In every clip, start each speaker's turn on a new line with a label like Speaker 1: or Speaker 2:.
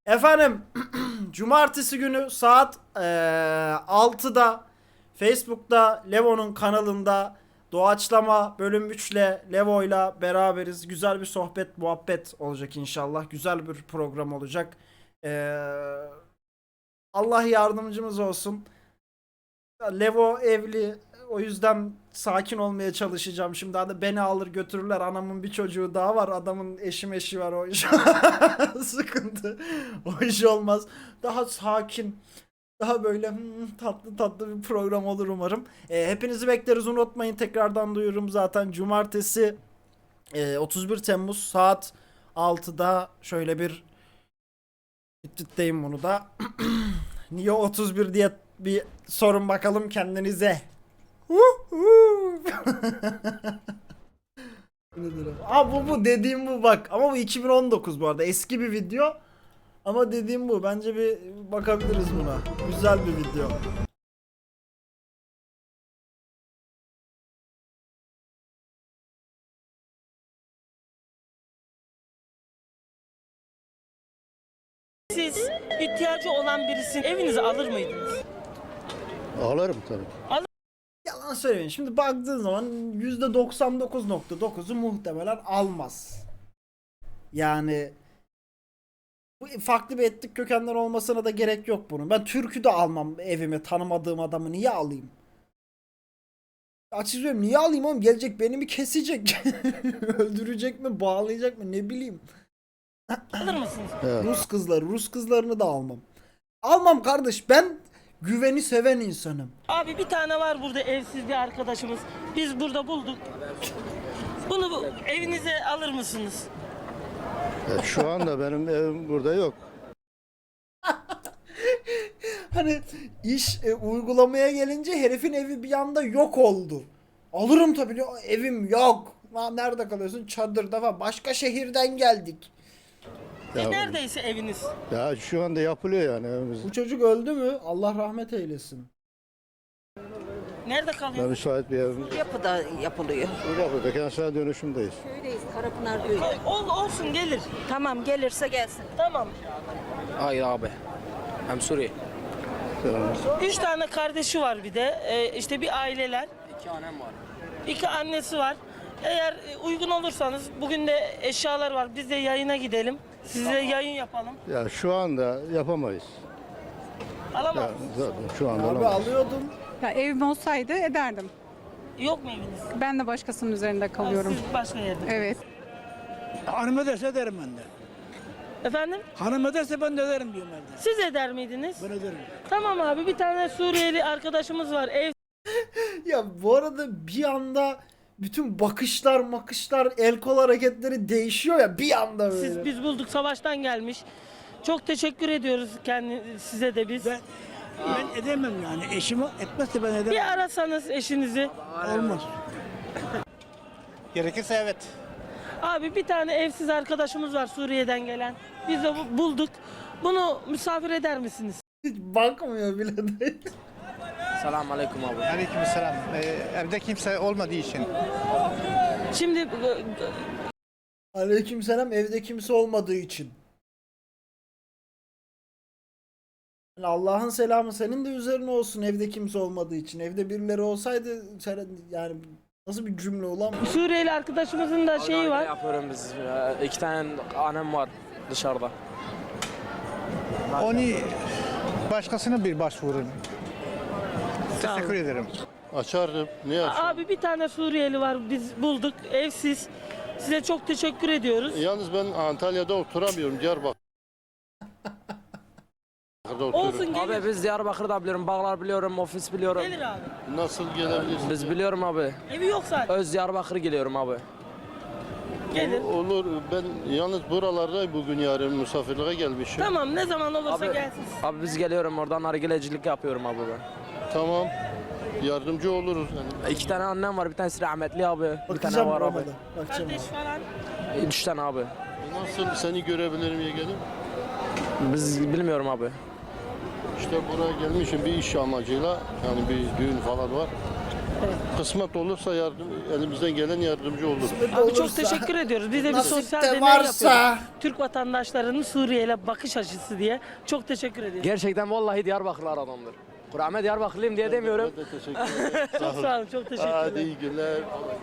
Speaker 1: Efendim, cumartesi günü saat 6'da Facebook'ta Levo'nun kanalında Doğaçlama bölüm 3 ile Levo'yla beraberiz. Güzel bir sohbet, muhabbet olacak inşallah. Güzel bir program olacak. Allah yardımcımız olsun. Levo evli. O yüzden sakin olmaya çalışacağım. Şimdi hani beni alır götürürler. Anamın bir çocuğu daha var. Adamın eşi var o iş. Sıkıntı. O iş olmaz. Daha sakin. Daha böyle tatlı tatlı bir program olur umarım. Hepinizi bekleriz, unutmayın. Tekrardan duyururum zaten. Cumartesi 31 Temmuz saat 6'da şöyle bir tütteyim bunu da. Niye 31 diye bir sorun bakalım kendinize. Nedir o? Aa, bu dediğim bu bak. Ama bu 2019 bu arada. Eski bir video. Ama dediğim bu. Bence bir bakabiliriz buna. Güzel bir video.
Speaker 2: Siz ihtiyacı olan birisini evinize alır mıydınız?
Speaker 3: Ağlarım tabii.
Speaker 1: Yalan söylemeyin. Şimdi baktığın zaman %99.9'u muhtemelen almaz. Yani bu farklı bir etnik kökenden olmasına da gerek yok bunun. Ben Türk'ü de almam evime, tanımadığım adamı niye alayım? Açık söyleyeyim, niye alayım oğlum? Gelecek beni mi kesecek? Öldürecek mi? Bağlayacak mı? Ne bileyim.
Speaker 2: Alır mısınız?
Speaker 3: Evet.
Speaker 1: Rus kızlarını da almam. Almam kardeş, ben güveni seven insanım.
Speaker 2: Abi bir tane var burada evsiz bir arkadaşımız. Biz burada bulduk. Bunu evinize alır mısınız?
Speaker 3: Şu anda benim evim burada yok.
Speaker 1: Hani iş uygulamaya gelince herifin evi bir anda yok oldu. Alırım tabii, evim yok. Lan nerede kalıyorsun? Çadırda falan. Başka şehirden geldik.
Speaker 3: Ya,
Speaker 2: Neredeyse eviniz.
Speaker 3: ya şu anda yapılıyor yani evimiz.
Speaker 1: Bu çocuk öldü mü? Allah rahmet eylesin.
Speaker 2: Nerede
Speaker 3: Ben
Speaker 2: kalıyor?
Speaker 3: müsait bir evimiz.
Speaker 4: Yapıda yapılıyor.
Speaker 3: Burada kentsel dönüşümdeyiz.
Speaker 4: Köydeyiz, Karapınar köyü.
Speaker 2: Olsun gelir.
Speaker 4: Tamam, gelirse gelsin.
Speaker 2: Tamam.
Speaker 5: Hayır abi. Hem Suriye.
Speaker 2: 3 tane kardeşi var bir de. İşte bir aileler.
Speaker 5: 2 annem var.
Speaker 2: 2 annesi var. Eğer uygun olursanız bugün de eşyalar var. Biz de yayına gidelim. Size yayın yapalım.
Speaker 3: Ya şu anda yapamayız.
Speaker 2: Alamaz
Speaker 3: Ya,
Speaker 2: mısınız?
Speaker 3: zaten şu anda
Speaker 1: Abi
Speaker 3: olamayız.
Speaker 1: alıyordum.
Speaker 6: Ya evim olsaydı ederdim.
Speaker 2: Yok mu eviniz?
Speaker 6: Ben de başkasının üzerinde kalıyorum.
Speaker 2: Siz başka yerde.
Speaker 6: Evet.
Speaker 7: Hanım ederse ederim ben de.
Speaker 2: Efendim?
Speaker 7: Hanım ederse ben de ederim diyorum ben de.
Speaker 2: Siz eder miydiniz?
Speaker 7: Ben ederim.
Speaker 2: Tamam abi, bir tane Suriyeli arkadaşımız var.
Speaker 1: Ya bu arada bir anda bütün bakışlar, el kol hareketleri değişiyor ya bir anda böyle.
Speaker 2: Biz bulduk, savaştan gelmiş. Çok teşekkür ediyoruz size de biz.
Speaker 7: Ben edemem yani. Eşimi etmezse ben edemem.
Speaker 2: Bir arasanız eşinizi.
Speaker 7: Olmaz.
Speaker 8: Gerekirse evet.
Speaker 2: Abi bir tane evsiz arkadaşımız var Suriye'den gelen. Biz de bulduk. Bunu misafir eder misiniz?
Speaker 1: Hiç bakmıyor bile de.
Speaker 5: Selamun aleyküm abi.
Speaker 8: Aleykümselam. Evde kimse olmadığı için.
Speaker 2: Şimdi
Speaker 1: Aleykümselam, evde kimse olmadığı için. Yani Allah'ın selamı senin de üzerine olsun evde kimse olmadığı için. Evde birileri olsaydı yani nasıl bir cümle ulan bu?
Speaker 2: Suriyeli arkadaşımızın da şeyi var.
Speaker 5: Yapıyorum biz. 2 tane annem var dışarıda.
Speaker 8: Onu başkasına bir başvurun.
Speaker 2: Sağ olun.
Speaker 8: Teşekkür ederim.
Speaker 3: Açardım. Niye açarım?
Speaker 2: Abi bir tane Suriyeli var, biz bulduk, evsiz. Size çok teşekkür ediyoruz.
Speaker 3: Yalnız ben Antalya'da oturamıyorum. Diyarbakır'da oturuyorum.
Speaker 2: Olsun, gelir.
Speaker 5: Abi biz Diyarbakır'da biliyorum. Bağlar biliyorum. Ofis biliyorum.
Speaker 2: Gelir abi.
Speaker 3: Nasıl gelebilirsin?
Speaker 5: Biz biliyorum abi.
Speaker 2: Evi yok zaten.
Speaker 5: Öz Diyarbakır geliyorum abi.
Speaker 2: Gelir.
Speaker 3: Olur. Ben yalnız buralarda bugün yarın misafirliğe gelmişim.
Speaker 2: Tamam, ne zaman olursa
Speaker 5: Abi,
Speaker 2: gelsin.
Speaker 5: abi biz geliyorum oradan nargilecilik yapıyorum abi ben.
Speaker 3: Tamam. Yardımcı oluruz. Yani.
Speaker 5: 2 tane annem var. Bir tanesi rahmetli abi. Bir tane
Speaker 1: Bakacağım
Speaker 5: var abi.
Speaker 1: olmadı. Bakacağım
Speaker 2: Kardeş
Speaker 1: abi.
Speaker 2: falan.
Speaker 5: 3 tane abi.
Speaker 3: Nasıl seni görebilirim yeğenim?
Speaker 5: Biz bilmiyorum abi.
Speaker 3: İşte buraya gelmişim bir iş amacıyla. Yani bir düğün falan var. Kısmet olursa elimizden gelen yardımcı olur.
Speaker 2: Abi çok teşekkür ediyoruz. Biz de bir
Speaker 1: Nasip
Speaker 2: sosyal
Speaker 1: de
Speaker 2: deney
Speaker 1: varsa.
Speaker 2: yapıyoruz. Türk vatandaşlarının Suriye'yle bakış açısı diye. Çok teşekkür ediyoruz.
Speaker 5: Gerçekten vallahi Diyarbakırlar adamdır. Kur'an'a Diyarbakırlıyım diye demiyorum.
Speaker 3: Ben de teşekkür ederim.
Speaker 2: Çok sağ olun, çok teşekkürler.
Speaker 3: Hadi iyi günler.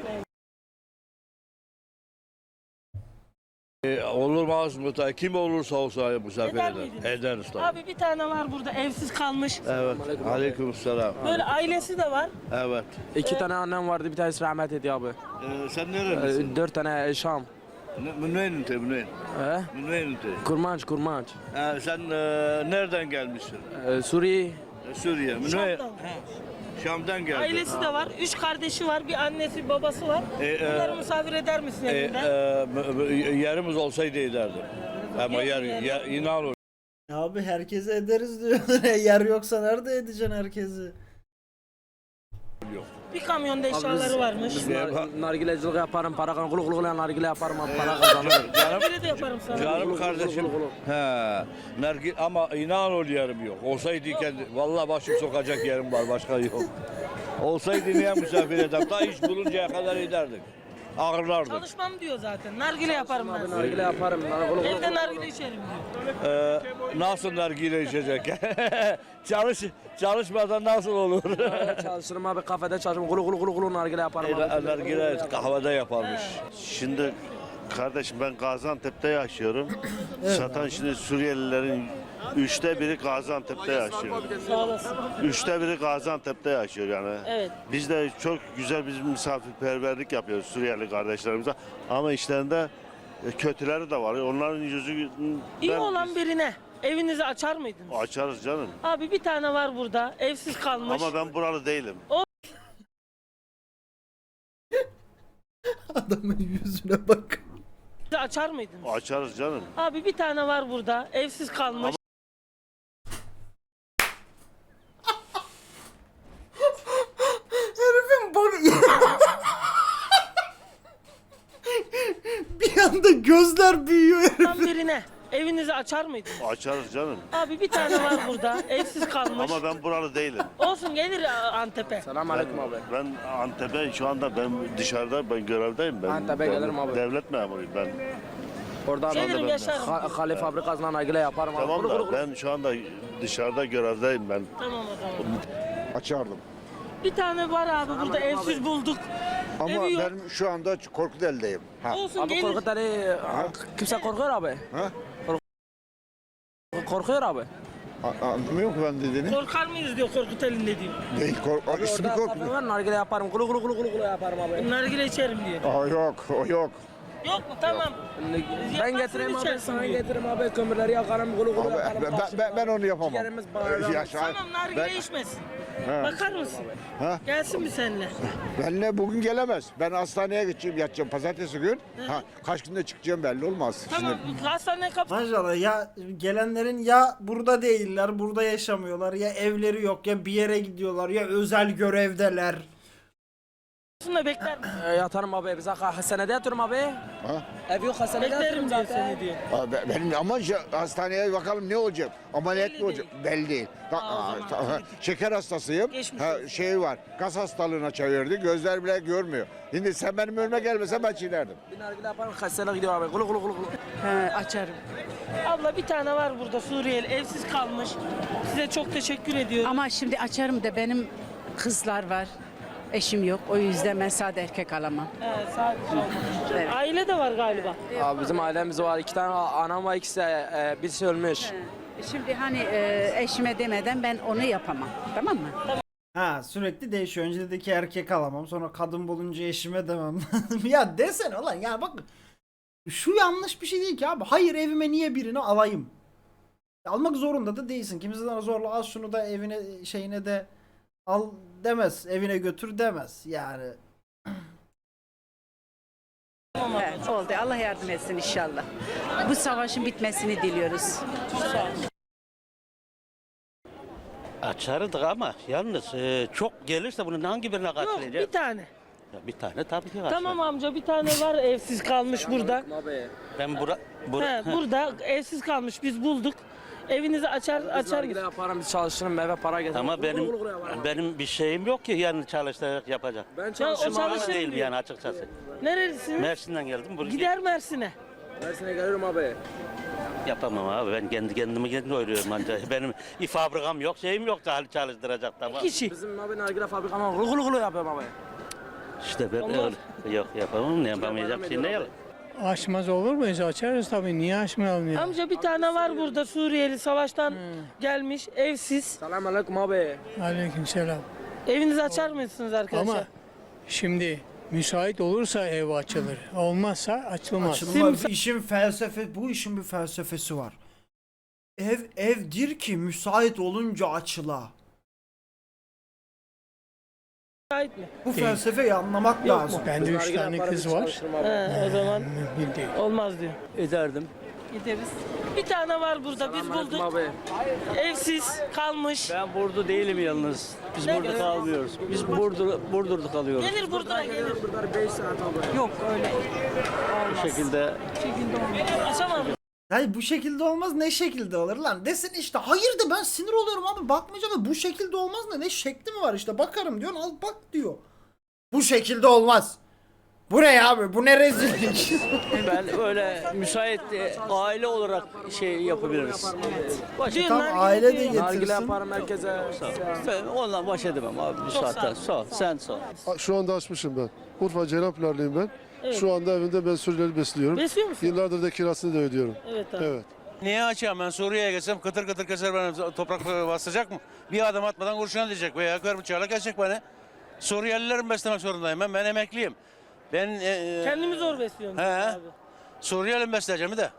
Speaker 9: Olmaz mı? Kim olursa olsa misafir
Speaker 2: Eder
Speaker 9: eder.
Speaker 2: miydiniz?
Speaker 9: Ederiz tabii.
Speaker 2: Abi bir tane var burada evsiz kalmış.
Speaker 9: Evet. Aleykümselam.
Speaker 2: Böyle ailesi de var.
Speaker 9: Evet.
Speaker 5: 2 tane annem vardı, bir tanesi rahmet etti abi.
Speaker 9: Sen nerelisin?
Speaker 5: 4 tane Şam.
Speaker 9: Münveyn ünte, Münveyn.
Speaker 5: He?
Speaker 9: Münveyn ünte.
Speaker 5: Kurmanç.
Speaker 9: Sen nereden gelmişsin?
Speaker 5: Suriye.
Speaker 9: Suriye. Münveyn.
Speaker 2: Şam'dan.
Speaker 9: Şam'dan geldin.
Speaker 2: Ailesi de var. 3 kardeşi var. Bir annesi, bir babası var. Bunları misafir eder misin evinde?
Speaker 9: Yerimiz olsaydı ederdim. Ama inan ol.
Speaker 1: Abi herkese ederiz diyor. Yer yoksa nerede edeceksin herkesi?
Speaker 2: Bir kamyonda eşyaları varmış.
Speaker 5: Nargilecilik yaparım, para kazanırım. Kulu kulu nargile yaparım, para kazanırım.
Speaker 2: Böyle de yaparım sana.
Speaker 9: Canım kardeşim. Ama inan ol yerim yok. Olsaydı vallahi başım sokacak yerim var, başka yok. Olsaydı niye misafir ederim? Daha iş buluncaya kadar ederdik. Ağırlardık.
Speaker 2: Çalışmam diyor zaten. Nargile yaparım ben.
Speaker 5: Nargile yaparım.
Speaker 2: Evde nargile içerim diyor.
Speaker 9: Nasıl nargile içecek? Çalışmadan nasıl olur?
Speaker 5: Çalışırım abi, kafede çalışırım. Kulu nargile yaparım abi.
Speaker 9: Nargile kahvede yaparmış.
Speaker 10: Şimdi kardeşim ben Gaziantep'te yaşıyorum. Zaten şimdi Suriyelilerin 1/3 Gaziantep'te yaşıyor.
Speaker 2: Sağ olasın.
Speaker 10: 1/3 Gaziantep'te yaşıyor yani.
Speaker 2: Evet.
Speaker 10: Biz de çok güzel bir misafirperverlik yapıyoruz Suriyeli kardeşlerimize. Ama işlerinde kötüleri de var. Onların yüzünden
Speaker 2: İyi olan birine evinizi açar mıydınız?
Speaker 10: açarız canım.
Speaker 2: Abi bir tane var burada. Evsiz kalmış.
Speaker 10: Ama ben buralı değilim.
Speaker 1: Adamın yüzüne bak.
Speaker 2: Açar mıydınız?
Speaker 10: Açarız canım.
Speaker 2: Abi bir tane var burada. Evsiz kalmış.
Speaker 1: Herifin bak. Bir anda gözler büyüyor herif.
Speaker 2: Olan birine evinizi açar mıydınız?
Speaker 10: Açarız canım.
Speaker 2: Abi bir tane var burada. Evsiz kalmış.
Speaker 10: Ama ben buralı değilim.
Speaker 2: Olsun gelir Antep'e.
Speaker 5: Selam aleyküm abi.
Speaker 10: Ben Antep'e şu anda ben dışarıda ben görevdeyim. Ben
Speaker 5: Antep'e gelirim abi.
Speaker 10: Devlet memuruyum ben.
Speaker 5: Oradan
Speaker 2: Gelirim yaşarım.
Speaker 5: Hale fabrikasından nargile yaparım abi.
Speaker 10: Tamam da ben şu anda dışarıda görevdeyim ben.
Speaker 2: Tamam o zaman.
Speaker 11: Açardım.
Speaker 2: Bir tane var abi burada evsiz bulduk.
Speaker 11: Ama
Speaker 2: Evi yok.
Speaker 11: ben şu anda Korkuteli'deyim. Ha.
Speaker 2: Olsun
Speaker 5: Abi
Speaker 2: gelir.
Speaker 5: Korkut Ali, kimse korkuyor abi.
Speaker 11: Ha?
Speaker 5: Korkuyor abi.
Speaker 11: Anlamıyor mu ben dediğini?
Speaker 2: Korkar mıyız diyor Korkut elinde diyor.
Speaker 11: Değil, ismi
Speaker 5: Orada
Speaker 11: Korkut.
Speaker 5: kafe var, nargile yaparım. Kulu yaparım abi.
Speaker 2: Nargile içerim diyor.
Speaker 11: Yok, o yok.
Speaker 2: Yok mu? Tamam.
Speaker 5: Ben getireyim abi,
Speaker 2: içersin
Speaker 5: sana
Speaker 2: diyor.
Speaker 5: getireyim abi. Kömürleri yakarım, kulu
Speaker 11: Abi,
Speaker 5: yaparım.
Speaker 11: ben onu yapamam.
Speaker 5: Ciğerimiz bağırır.
Speaker 2: Tamam nargile içmesin. Bakar mısın?
Speaker 11: Ha?
Speaker 2: Gelsin mi seninle?
Speaker 11: Benle bugün gelemez. Ben hastaneye gideceğim, yatacağım pazartesi gün. Ha, kaç günde çıkacağım belli olmaz.
Speaker 2: Tamam. Hastane kapı.
Speaker 1: Maşallah ya gelenlerin ya burada değiller, burada yaşamıyorlar, ya evleri yok, ya bir yere gidiyorlar, ya özel görevdeler.
Speaker 2: Şunu bekler misin?
Speaker 5: Yatarım abi, bize hastanede yatıyorum abi.
Speaker 11: Ha?
Speaker 5: Ev yok, hastanede
Speaker 2: Beklerim
Speaker 5: yatıyorum
Speaker 2: diyor
Speaker 5: zaten.
Speaker 2: seni diyor.
Speaker 11: Benim ama hastaneye bakalım ne olacak? Ameliyat
Speaker 2: Belli
Speaker 11: mı olacak? Belli değil. Şeker hastasıyım.
Speaker 2: Geçmiş
Speaker 11: Şey var. Gaz hastalığına çevirdi. Gözler bile görmüyor. Şimdi sen benim önüme gelmesen ben çiğnerdim.
Speaker 5: Bir nargile yaparım, hastaneye gidiyor abi. Kulu.
Speaker 4: Açarım.
Speaker 2: Abla bir tane var burada Suriyeli evsiz kalmış. Size çok teşekkür ediyorum.
Speaker 4: Ama şimdi açarım da benim kızlar var. Eşim yok. O yüzden ben sade erkek alamam.
Speaker 2: Evet, sadece.
Speaker 4: Evet.
Speaker 2: Aile de var galiba.
Speaker 5: Abi bizim ailemiz var. 2 tane anam var, ikisi birisi ölmüş.
Speaker 4: Şimdi hani eşime demeden ben onu yapamam. Tamam mı?
Speaker 1: Ha sürekli değişiyor. Önce dedi ki erkek alamam, sonra kadın bulunca eşime demem. Ya desene ulan ya bak. Şu yanlış bir şey değil ki abi. Hayır evime niye birini alayım? Almak zorunda da değilsin. Kimse sana zorla al şunu da evine şeyine de al demez. Evine götür demez. Yani.
Speaker 4: Evet, oldu. Allah yardım etsin inşallah. Bu savaşın bitmesini diliyoruz.
Speaker 7: Açardık ama yalnız çok gelirse bunun hangi birine
Speaker 2: Yok
Speaker 7: karşılayacağız?
Speaker 2: bir tane.
Speaker 5: Bir tane tabii ki var.
Speaker 2: Tamam amca, bir tane var evsiz kalmış burada.
Speaker 5: Ben
Speaker 2: Burada evsiz kalmış, biz bulduk. Evinizi açar
Speaker 5: nargile
Speaker 2: mısın?
Speaker 5: yaparım, biz çalışırım, eve para getiririm.
Speaker 9: Ama benim bir şeyim yok ki yani çalışarak yapacak.
Speaker 5: Ben
Speaker 2: Ya, o
Speaker 5: çalışırım abi.
Speaker 2: çalışır
Speaker 9: Değil
Speaker 2: diyor.
Speaker 9: yani açıkçası.
Speaker 2: Nerelisiniz?
Speaker 9: Mersin'den geldim buraya.
Speaker 2: Gider Mersin'e.
Speaker 5: Mersin'e gelirim abi.
Speaker 9: Yapamam abi, ben kendimi doyuruyorum ancak. Benim fabrikam yok, şeyim yok da hali çalıştıracak tamam.
Speaker 2: Kişi.
Speaker 5: Bizim abi nargile fabrikama gulu gulu yapıyorum abi.
Speaker 9: İşte ben
Speaker 2: Olmaz.
Speaker 9: öyle. Yok yapamam, ne yapamayacağım şey ne yalan.
Speaker 8: Açmaz olur muyuz? Açarız tabii. Niye açmayalım ya?
Speaker 2: Amca bir tane var burada Suriyeli, savaştan gelmiş, evsiz.
Speaker 5: Selamünaleyküm abi.
Speaker 8: Aleykümselam.
Speaker 2: Evinizi açar mısınız arkadaşlar?
Speaker 8: Ama şimdi müsait olursa ev açılır. Olmazsa açılmaz.
Speaker 1: Açılmaz. Bu işin bir felsefesi var. Evdir ki müsait olunca açıla.
Speaker 2: Müsait mi?
Speaker 1: Bu felsefeyi anlamak lazım.
Speaker 8: Bende 3
Speaker 5: Nargile
Speaker 8: tane
Speaker 5: yaparım,
Speaker 8: kız
Speaker 5: biz
Speaker 8: var.
Speaker 5: çalışırım abi.
Speaker 2: O zaman
Speaker 8: Mümkün değil.
Speaker 2: olmaz diyor.
Speaker 5: Ederdim.
Speaker 2: Gideriz. Bir tane var burada, biz
Speaker 5: Selamünaleyküm
Speaker 2: bulduk.
Speaker 5: abi.
Speaker 2: Evsiz kalmış.
Speaker 5: Ben burada değilim yalnız. Biz
Speaker 2: Ne
Speaker 5: burada
Speaker 2: göre?
Speaker 5: kalmıyoruz. Biz Burdur'da kalıyoruz.
Speaker 2: Gelir Burdur'a gelir.
Speaker 5: Burada 5 saat abi.
Speaker 2: Yok öyle.
Speaker 5: Bu şekilde
Speaker 2: Açamam.
Speaker 1: Hayır bu şekilde olmaz, ne şekilde olur lan desin işte. Hayır de ben sinir oluyorum abi, bakmayacağım da bu şekilde olmaz ne şekli mi var işte, bakarım diyorsun, al bak diyor. Bu şekilde olmaz. Bu ne ya abi, bu ne rezillik.
Speaker 5: ben öyle müsait aile olarak şey yapabiliriz.
Speaker 2: Diyor,
Speaker 1: Tam
Speaker 2: nargile
Speaker 1: aile de
Speaker 2: diyor.
Speaker 5: Nargile
Speaker 1: getirsin.
Speaker 5: yaparım herkese. Ben onunla baş edemem abi bu saatten. Sağ ol. Sen sağ ol.
Speaker 3: Şu anda açmışım ben. Urfa Ceylanpınarlıyım ben.
Speaker 2: Evet.
Speaker 3: Şu anda evimde ben Suriyeli besliyorum.
Speaker 2: Besliyor musun?
Speaker 3: Yıllardır da kirasını da ödüyorum.
Speaker 2: Evet abi.
Speaker 3: Evet.
Speaker 12: Niye açayım ben Suriye'ye geçsem kıtır kıtır keser beni, toprak basacak mı? Bir adım atmadan kurşuna diyecek veya yakar bıçağıyla kesecek beni. Suriyelileri mi beslemek zorundayım ben emekliyim. Ben
Speaker 2: Kendimi zor besliyorum.
Speaker 12: He.
Speaker 2: Abi.
Speaker 12: Suriyeli mi besleyeceğim bir de?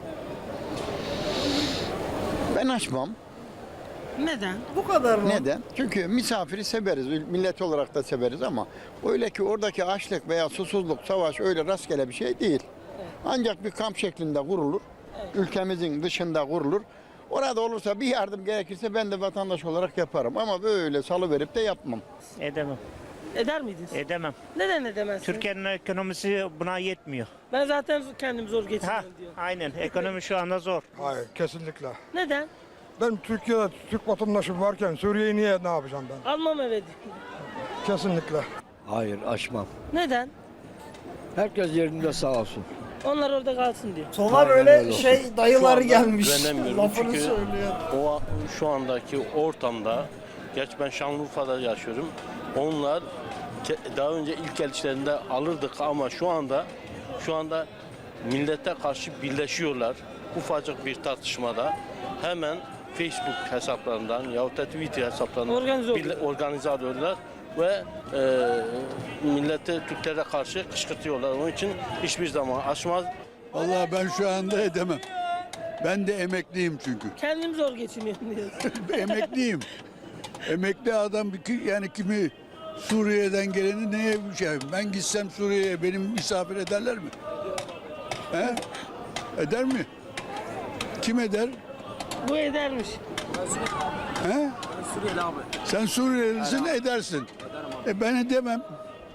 Speaker 11: Ben açmam.
Speaker 2: Neden?
Speaker 1: Bu kadar mı?
Speaker 11: Neden? Çünkü misafiri severiz, millet olarak da severiz ama öyle ki oradaki açlık veya susuzluk, savaş öyle rastgele bir şey değil. Ancak bir kamp şeklinde kurulur, ülkemizin dışında kurulur. Orada olursa bir yardım gerekirse ben de vatandaş olarak yaparım ama böyle salıverip de yapmam.
Speaker 7: Edemem.
Speaker 2: Eder miydiniz?
Speaker 7: Edemem.
Speaker 2: Neden edemezsiniz?
Speaker 7: Türkiye'nin ekonomisi buna yetmiyor.
Speaker 2: Ben zaten kendimi zor geçiriyorum diyor.
Speaker 7: Aynen. Ekonomi şu anda zor.
Speaker 11: Hayır, kesinlikle.
Speaker 2: Neden?
Speaker 11: Ben Türkiye'de Türk vatandaşım varken Suriye'yi niye ne yapacağım ben?
Speaker 2: Almam eve diyor.
Speaker 11: Kesinlikle.
Speaker 5: Hayır açmam.
Speaker 2: Neden?
Speaker 5: Herkes yerinde sağ olsun.
Speaker 2: Onlar orada kalsın diyor.
Speaker 1: Sonra böyle şey dayılar
Speaker 12: anda
Speaker 1: gelmiş.
Speaker 12: güvenemiyorum
Speaker 1: Lafını
Speaker 12: çünkü
Speaker 1: söylüyor.
Speaker 12: O şu andaki ortamda, gerçi ben Şanlıurfa'da yaşıyorum. Onlar daha önce ilk elçilerinde alırdık ama şu anda millete karşı birleşiyorlar. Ufacık bir tartışmada hemen Facebook hesaplarından yahut da Twitter hesaplarından organize oluyorlar ve millete, Türklere karşı kışkırtıyorlar. Onun için hiçbir zaman açmaz.
Speaker 11: Vallahi ben şu anda edemem. Ben de emekliyim çünkü.
Speaker 2: Kendim zor geçiniyorum diyor.
Speaker 11: Emekliyim. Emekli adam yani kimi Suriye'den geleni neye şey? Ben gitsem Suriye'ye benim misafir ederler mi? He? Eder mi? Kim eder?
Speaker 2: Bu edermiş.
Speaker 11: He?
Speaker 5: Suriyeli abi.
Speaker 11: Sen Suriyelisin edersin. Ben edemem.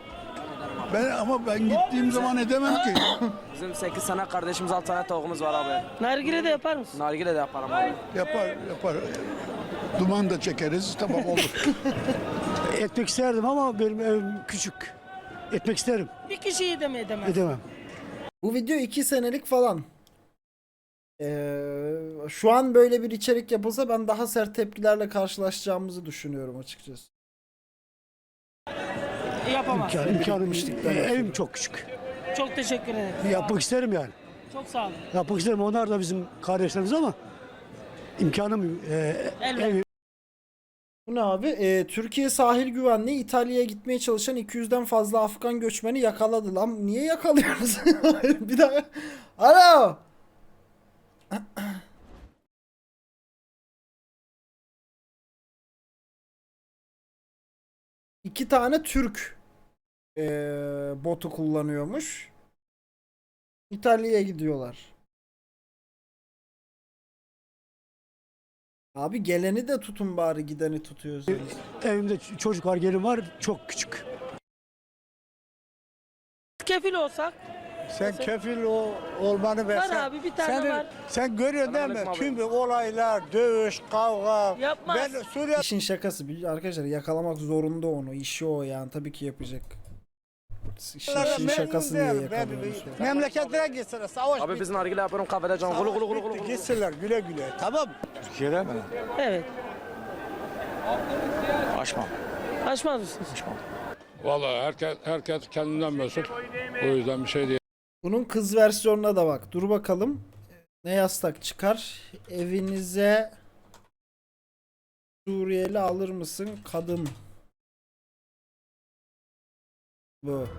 Speaker 11: Ben gittiğim zaman edemem ki.
Speaker 5: Bizim 8 tane kardeşimiz 6 tane tavuğumuz var abi.
Speaker 2: Nargile de yapar mısın?
Speaker 5: Nargile de yaparım abi.
Speaker 11: Yapar. Duman da çekeriz, tamam olur.
Speaker 7: Etmek isterdim ama benim evim küçük. Etmek isterim.
Speaker 2: Bir kişiyi de mi edemez?
Speaker 7: Edemem.
Speaker 1: Bu video 2 senelik falan. Şu an böyle bir içerik yapılsa ben daha sert tepkilerle karşılaşacağımızı düşünüyorum açıkçası.
Speaker 2: Yapamaz.
Speaker 7: İmkanım evim çok küçük.
Speaker 2: Çok teşekkür ederim.
Speaker 7: Yapmak isterim yani.
Speaker 2: Çok sağ olun.
Speaker 7: Yapmak isterim. Onlar da bizim kardeşlerimiz ama imkanım
Speaker 2: Elbette.
Speaker 1: Bu ne abi? Türkiye sahil güvenliği İtalya'ya gitmeye çalışan 200'den fazla Afgan göçmeni yakaladı lan. Niye yakalıyoruz? Bir daha. Alo. İki tane Türk botu kullanıyormuş. İtalya'ya gidiyorlar. Abi geleni de tutun bari, gideni tutuyorsunuz.
Speaker 7: evimde çocuk var, gelin var, çok küçük.
Speaker 2: kefil olsak.
Speaker 7: Sen kefil olmanı
Speaker 2: Var abi, bir tane var.
Speaker 7: Sen görüyorsun değil mi?
Speaker 5: Selamünaleyküm abi.
Speaker 7: Tüm bu olaylar, dövüş, kavga.
Speaker 2: Yapmaz.
Speaker 7: Ben Suriye
Speaker 1: İşin şakası arkadaşlar, yakalamak zorunda onu. İşi o yani, tabii ki yapacak. İşin şakası diye yakalıyoruz.
Speaker 7: memleketlere gitsene savaş
Speaker 5: Abi biz nargile yapıyorum kahvede can. Gulu gulu gulu gulu.
Speaker 7: Gitsinler güle güle. Tamam.
Speaker 13: Türkiye'de mi?
Speaker 2: Evet.
Speaker 13: Açmam.
Speaker 2: Açmaz mısınız?
Speaker 8: Vallahi herkes kendinden mesut. O yüzden bir şey değil.
Speaker 1: Bunun kız versiyonuna da bak. Dur bakalım. Ne yaslak çıkar? Evinize Suriyeli alır mısın? Kadın. Bu.